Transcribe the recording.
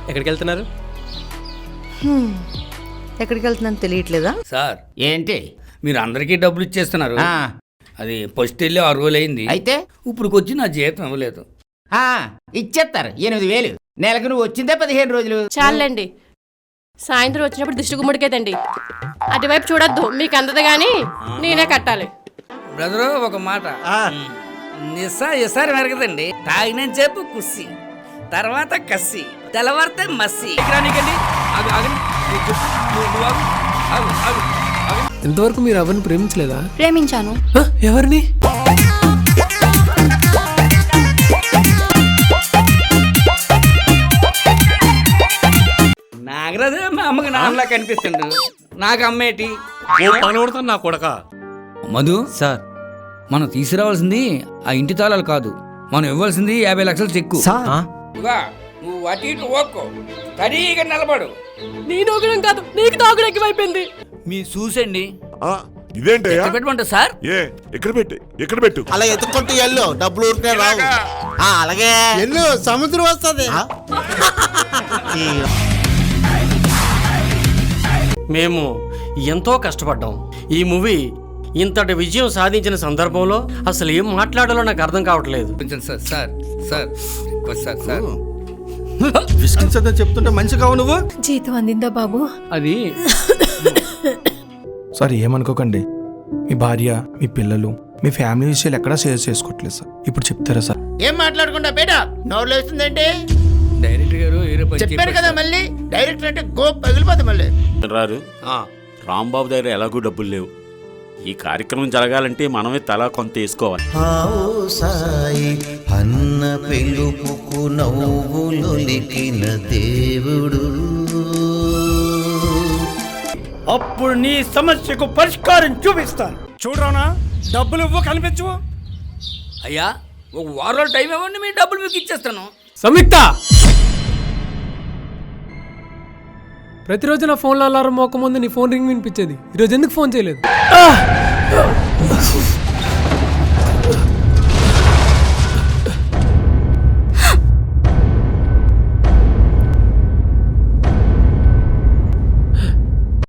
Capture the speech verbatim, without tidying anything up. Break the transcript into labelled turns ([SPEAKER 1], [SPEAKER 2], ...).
[SPEAKER 1] ఎక్కడికి వెళ్తున్నారు?
[SPEAKER 2] ఎక్కడికి వెళ్తున్నాను తెలియట్లేదా
[SPEAKER 3] సార్?
[SPEAKER 4] ఏంటి
[SPEAKER 3] మీరు అందరికీ డబ్బులు ఇచ్చేస్తున్నారు.
[SPEAKER 4] ఆ,
[SPEAKER 3] అది ఫస్ట్ వెళ్ళి ఆరు రోజులు అయింది.
[SPEAKER 4] అయితే
[SPEAKER 3] ఇప్పుడు వచ్చి నా జీతం ఇవ్వలేదు.
[SPEAKER 4] ఆ, ఇచ్చేస్తారు ఎనిమిది వేలు. నెలకు నువ్వు వచ్చిందే పదిహేను రోజులు.
[SPEAKER 5] చాలండి, సాయంత్రం వచ్చినప్పుడు దిష్టి గుమ్మడికేదండి. అటువైపు చూడొద్దు, మీకు అందదు కానీ నేనే కట్టాలి.
[SPEAKER 3] బ్రదరు ఒక మాట, నిస్సా ఇసారి మెరగదండి. తాగిన చెప్పు కుస్సి, తర్వాత కస్సి, తెల్లవారితే మస్సి.
[SPEAKER 1] ఇంతవరకు మీరు ఎవరిని ప్రేమించలేదా?
[SPEAKER 6] ప్రేమించాను.
[SPEAKER 1] హ? ఎవరిని?
[SPEAKER 3] నాగరాజు మా అమ్మకి నాన్నలా కనిపిస్తుండు. నాకు అమ్మేటి
[SPEAKER 1] నా కొడక.
[SPEAKER 3] మధు
[SPEAKER 1] సార్,
[SPEAKER 3] మనం తీసుకురావాల్సింది ఆ ఇంటి తాళాలు కాదు, మనం ఇవ్వాల్సింది యాభై లక్షలు చెక్కు. ఇదిగో, నువ్వు అటు ఇటు ఓక్కో, సరిగా నిలబడు.
[SPEAKER 5] నీ నోగడం కాదు, నీకు తాగుడు ఎక్కువైపోయింది.
[SPEAKER 3] మీ చూసండి.
[SPEAKER 7] ఇదేంటయ్యా?
[SPEAKER 3] పెట్టమంటా సార్?
[SPEAKER 7] ఏ ఎక్కడ పెట్టు ఎక్కడ పెట్టు
[SPEAKER 8] అలా ఎత్తుకుంటూ వెళ్ళు, డబ్బులు ఊరికే రావు. ఆ, అలాగే వెళ్ళు, సముద్రం వస్తుంది.
[SPEAKER 9] మేము ఎంతో కష్టపడ్డాం. ఈ మూవీ ఇంతటి విజయం సాధించిన సందర్భంలో అసలు ఏం మాట్లాడాలో నాకు అర్థం కావట్లేదు.
[SPEAKER 3] కొంచెం sir sir sir sir sir
[SPEAKER 8] విసిగించదని చెప్తుంటే మంచిగా నువ్వు.
[SPEAKER 6] జీతం అందిందా బాబు?
[SPEAKER 3] అది
[SPEAKER 10] సార్ ఏమనుకోకండి, మీ భార్య, మీ పిల్లలు, మీ ఫ్యామిలీ విషయాలు ఎక్కడా షేర్ చేసుకోవట్లేదు సార్. ఇప్పుడు చెప్తారా సార్?
[SPEAKER 4] ఏం మాట్లాడకుండా బేటా నోరు వేస్తుందండి.
[SPEAKER 3] డైరెక్టర్ గారు వేరే పని
[SPEAKER 4] చెప్పారు
[SPEAKER 3] చెప్పారు
[SPEAKER 4] కదా, మళ్ళీ డైరెక్టర్ అంటే గో పగిలిపోతుంది. మళ్ళీ
[SPEAKER 11] రారు రాంబాబు దగ్గర ఎలాగూ డబ్బులు లేవు. ఈ కార్యక్రమం జరగాలంటే మనమే తలా కొంత వేసుకోవాలి.
[SPEAKER 8] సాయి అన్న పిలుపుకు నవ్వులొలికిన దేవుడు.
[SPEAKER 9] అప్పుడు నీ సమస్యకు పరిష్కారం చూపిస్తాను. చూడరానా, డబ్బులు ఇవ్వ కనిపించు.
[SPEAKER 3] అయ్యా ఒక వారం టైం ఇవ్వండి, మీ డబ్బులు మీకు ఇచ్చేస్తాను.
[SPEAKER 1] సంయుక్త, ప్రతిరోజు నా ఫోన్లో అలారం మోక ముందు నీ ఫోన్ రింగ్ వినిపించేది. ఈరోజు ఎందుకు ఫోన్ చేయలేదు?